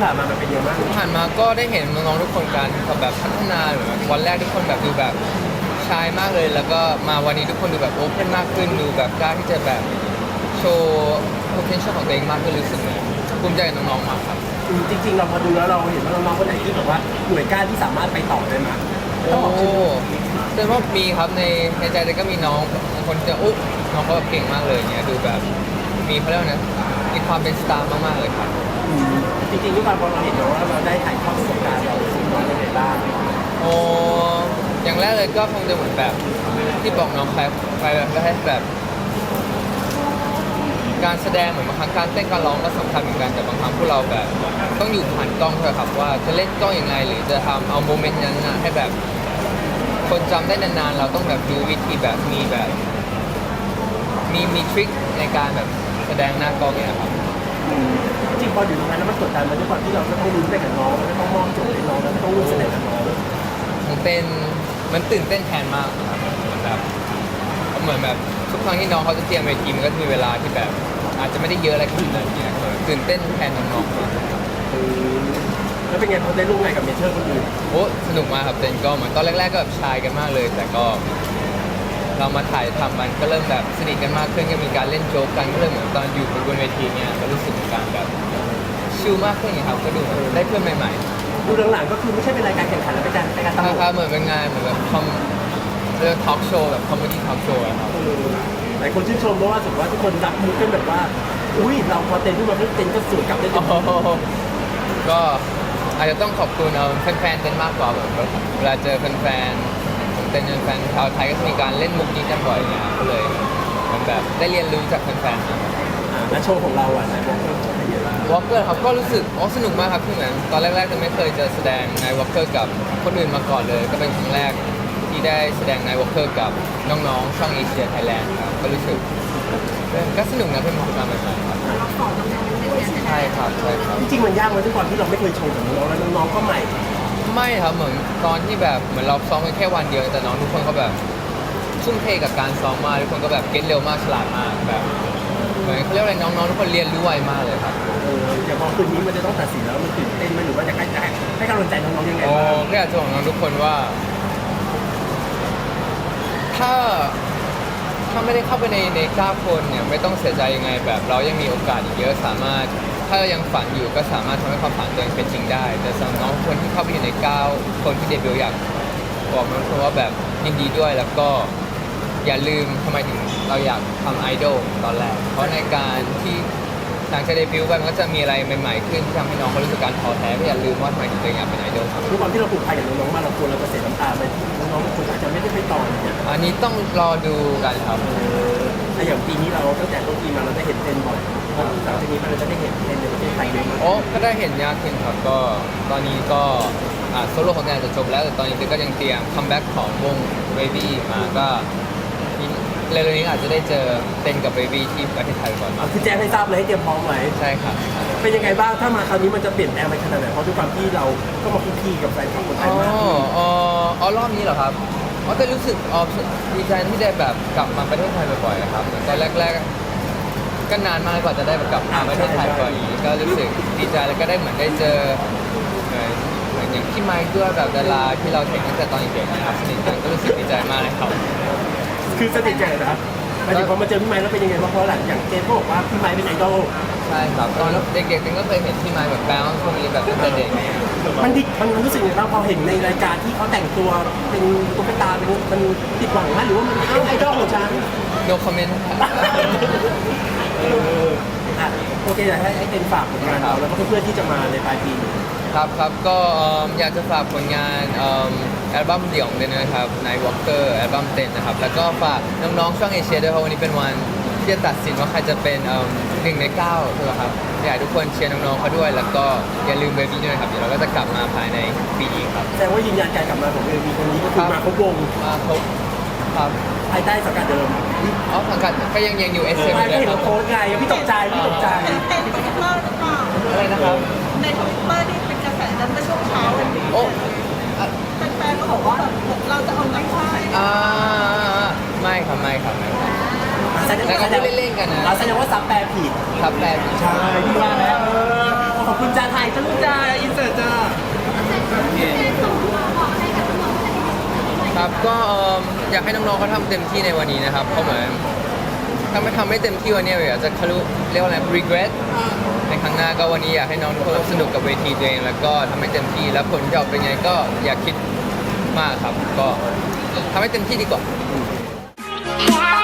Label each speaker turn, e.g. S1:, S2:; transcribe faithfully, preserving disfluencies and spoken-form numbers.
S1: ผ่านมามันเป็นยังไงบ้าง
S2: ผ่านมาก็ได้เห็นน้องๆทุกคนการแบบพัฒนาหรือแบบวันแรกทุกคนแบบดูแบบชายมากเลย แล้วก็มาวันนี้ทุกคนดูแบบโอเพนมากขึ้นดูแบบกล้าที่จะแบบโชว์ potential ของตัวเองมากขึ้นรู้สึกเหมือนภูมิใจกับน้องๆมากครับ
S1: อืมจริงๆเราพอดูแล้วเราเห็นว่าน้องๆคนไหนที่แบบว่าหน่วยก้านที่สามารถไปต่อได้ไหมต้
S2: โอ้
S1: องบอกชื่อ
S2: แสดงว่ามีครับในในใจเลยก็มีน้องบางคนจะอุ๊น้องเขาแบบเก่งมากเลยเนี่ยดูแบบมีเขาเรียกว่าไงมีความเป็นสตาร์มากๆเลยครับ
S1: อืมจริงๆด้วยความพอเราเห็นว่าเราได้ถ่ายทอดประสบการณ์เราสู่น้องยังไงบ้าง
S2: โอ้อย่างแรกเลยก็คงจะเหมือนแบบที่บอกน้องใครใครแบบก็ให้แบบการแสดงเหมือนบางครั้งการเต้นการร้องก็สำคัญเหมือนกันแต่บางครั้งพวกเราแบบต้องอยู่ผ่านกล้องด้วยครับว่าจะเล่นกล้องยังไงหรือจะทำเอาโมเมนต์นั้นนะให้แบบคนจำได้นานๆเราต้องแบบดูวิธีแบบมีแบบมีมีทริคในการแบบแสดงหน้ากล้องเนี่ยครับ
S1: อืมจริงๆพออยู่ตรงนั้นแล้วมันกดดันมาด้วยความที่เราก็ต้องลุ้นไปกับน้องแล้วก็ต้องมอบโจทย์ให้น้องแล้วก็ต้องร่วมแสดงกับน้อง
S2: มันเต้นมันตื่นเต้นแทนมากครับเหมือนแบบเหมือนแบบทุกครั้งที่น้องเขาจะเตรียมเวทีมันก็มีเวลาที่แบบอาจจะไม่ได้เยอะอะไรขนาดนั้นเนี่ยตื่นเต้นแทนน้องๆ
S1: อืมแล้วเป็นไงพอได้ร่วมงานกับเมเชอร์คนอื่น
S2: โอ้สนุกมากครับเต้นก็เหมือนตอนแรกๆก็แบบชายกันมากเลย แต่ก็เรามาถ่ายทำมันก็เริ่มแบบสนิทกันมากขึ้นก็มีการเล่นโจ๊กกันก็เลยเหมือนตอนอยู่บนเวทีเนี่ยก็รู้สึกการแบบชิลมากขึ้นอย่างครับก็ดูได้เพื่อนใหม่
S1: ๆดูหลังๆก็คือไม่ใช่เป็นรายการแข่งขันแล้วเป็นการรายการต
S2: ๆ
S1: ลก
S2: ครับเหมือนเป็นงานเหมือนแบบคอมเรื่องทอล์กโชว์แบบคอมเมดี้ทอล์กโชว์ครับ
S1: หลายคนชื่นชมเพราะว่าสุดว่าทุกคนรับมุกกันแบบว่าอุ้ยเราพอเต้นขึ้นมาเต้นก็สวยกลับได้ต็
S2: ก็อาจจะต้องขอบคุณเอาแฟนๆเต้นมากกว่าแบบเวลาเจอแฟนๆเต้นแฟนชาวไทยก็จะมีการเล่นมุกนี้กันบ่อยเนี่ยก็เลยมันแบบได้เรียนรู้จากแฟนๆ
S1: และโชว์ของเราอ่ะไหนบอกว่าเป็นยังไงบ้าง
S2: วอล์กเกอร์ครับก็รู้สึกอ๋อสนุกมากครับคือเหมือนตอนแรกๆจะไม่เคยจะแสดงในวอล์กเกอร์กับคนอื่นมาก่อนเลยก็เป็นครั้งแรกที่ได้แสดงในวอล์กเกอร์กับน้องๆช่องเอเชียไทยแลนด์ครับก็รู้สึกก็สนุกนะเป็นประสบการณ์ใหม่ๆครับใช่ครับใช่ครับ
S1: จริงๆมันยากไหมด้วยความที่เราไม่เคยโชว์กับน้องแล้วน้องๆก็ใหม่
S2: ไม่ครับเหมือนตอนที่แบบเหมือนเราซ้อมกันแค่วันเดียวแต่น้องทุกคนเขาแบบชุ่มเทกับการซ้อมมากทุกคนก็แบบเก็ตเร็วมากฉลาดมากแบบเหมือนเขาเรียกอะไรน้องๆทุกคนเรียนรู้ไวมากเลยครับ
S1: เอออย่างพอคืนนี้มันจะต้องตัดสินแล้วมันตื่นเต้นไหมหรือว่าจะให้ให้กำลังใจน้องๆยังไงบ้าง
S2: ก็อยากจะบอกน้องทุกคนว่า ถ้าถ้าไม่ได้เข้าไปในในเก้าคนเนี่ยไม่ต้องเสียใจยังไงแบบเรายังมีโอกาสอีกเยอะสามารถถ้ายังฝันอยู่ก็สามารถทำให้ความฝันตัวเองเป็นจริงได้แต่สำหรับน้องคนที่เข้าไปอยู่ในเก้าคนที่เดบิวต์อยากบอกน้องทุกคนว่าแบบยินดีด้วยแล้วก็อย่าลืมทำไมถึงเราอยากทำไอดอลตอนแรกเพราะในการที่หลังจากเดบิวต์ไปมันก็จะมีอะไรใหม่ๆขึ้นที่ทำให้น้องเขารู้สึกการท้อแท้ก็อย่าลืมว่าทำไมถึงตัวเองอยากเป็นไอดอลครับ
S1: ด้วยความที่เราผูกพันกับน้องๆมาเราควรเราจะเสียน้ำตาไปน้องๆบางคนอาจจะไม่ได้ไปต่ออย่างเงี้ย
S2: อันนี้ต้องรอดูกันครับ
S1: แต่อย่างปีนี้เราตั้งแต่ต้นปีมาเราได้เห็นเต้นบ่อยจากปีนี้มาเราจะได้เห็นเต้นในประเทศไทยเยอะมาก
S2: โอ้ก็ได้เห็นยากขึ้นครับก็ตอนนี้ก็อ่าโซโล่ของงานจะจบแล้วแต่ตอนนี้ก็ยังเตรียมคัมแบ็กของวง Baby มาก็เร็วๆนี้อาจจะได้เจอเต้นกับ Baby ที่ประเทศไทยก่อนมา
S1: คือแจ้งให้ทราบเลยให้เตรียมพร้อมไว้
S2: ใช่ครับ
S1: เป็นยังไงบ้างถ้ามาคราวนี้มันจะเปลี่ยนแปลงไปขนาดไหนเพราะด้วยความที่เราก็มาคุกคีกับแฟนคลับคนไทยมาก
S2: อ๋ออ๋อรอบนี้เหรอครับอ๋อแต่รู้สึกอ๋อดีใจที่ได้แบบกลับมาประเทศไทยบ่อยๆครับเหมือนตอนแรกๆก็นานมากกว่าจะได้กลับมาประเทศไทยบ่อยก็รู้สึกดีใจแล้วก็ได้เหมือนได้เจอเหมือนอย่างพี่ไมค์ด้วยแบบดาราที่เราเห็นตั้งแต่ตอนเด็กๆนะครับสนิทกันก็รู้สึกดีใจมากเลยครับ
S1: คือสนิทกันนะครับหมายถึงพอมาเจอพี่ไมค์แล้วเป็นยังไงบ้างเพราะหลังอย่างเจมส์ก็บอกว่าพี่ไมค์เป็นไอดอล
S2: ใช่ครับตอนเด็กๆเองก็เคยเห็นพี่ไมค์แบบแบงค์พวกนี้แบบตั้งแต่เด็ก
S1: มันดิมันรู้สึกยังไงบ้างพอเห็นในรายการที่เขาแต่งตัวเป็นตุ๊กตาเป็นมันติดหวังไหมหรือว่ามันเป็นไอดอลของฉัน
S2: no comment
S1: เอออ่ะโอเคอยากให้ไอ้เต็นฝากผลงานเราแล้วก็เพื่อนๆที่จะมาในปลายปี
S2: ครับครับก็อยากจะฝากผลงานอัลบั้มเดี่ยวเลยนะครับใน Walker อัลบั้มเต็นนะครับแล้วก็ฝากน้องๆช่องเอเชียด้วยเพราะวันนี้เป็นวันที่จะตัดสินว่าใครจะเป็นหนึ่งในเก้าใช่ไหมครับอยากให้ทุกคนเชียร์น้องๆเขาด้วยแล้วก็อย่าลืมเบบี้ด้วยครับเดี๋ยวเราก็จะกลับมาภายในปีนี้ครับ
S1: แสดงว่ายืนยันการกลับมาของเบบี้คนนี้ก็คือมาครบวง
S2: มาครบครับ
S1: ภายใต้สังกัดเดิม
S2: อ๋อสังกัดก็ยังยังอยู่เอสเอ็ม
S1: เลยครับโค้ชไงพี่ตกใจพี่ตกใจ
S3: เป็นทวิตเตอร์หรือเปล่า
S2: อะไรนะครับ
S3: ในทวิตเตอร์นี่เป็นกระแสนั้นเมื่อช่วงเช้าวันนี้
S2: โอ้
S3: แฟนๆก็บอกว่าเราจะเอาน้ำค่าย
S2: อ่าไม่ครับไม่ครับไม่ครับแล้วก็เล่นๆกันนะ
S1: เราแสดงว่าซับแปลผิด
S2: ซับแปลผิด
S1: ใช่พี่ว่าแล้วขอบคุณจานไทยจ้าลูก
S4: จ้าอินเสิร์ตจ้า
S2: ครับก็เอิ่มอยากให้น้องๆเขาทำเต็มที่ในวันนี้นะครับเพราะเหมือนถ้าไม่ทำไม่เต็มที่วันนี้อยากจะคารุเรียกว่าอะไร regret ในครั้งหน้าก็วันนี้อยากให้น้องทุกคนสนุกกับเวทีตัวเองแล้วก็ทำให้เต็มที่แล้วผลจะออกเป็นไงก็อย่าคิดมากครับก็ทำให้เต็มที่ดีกว่า
S5: Yeah.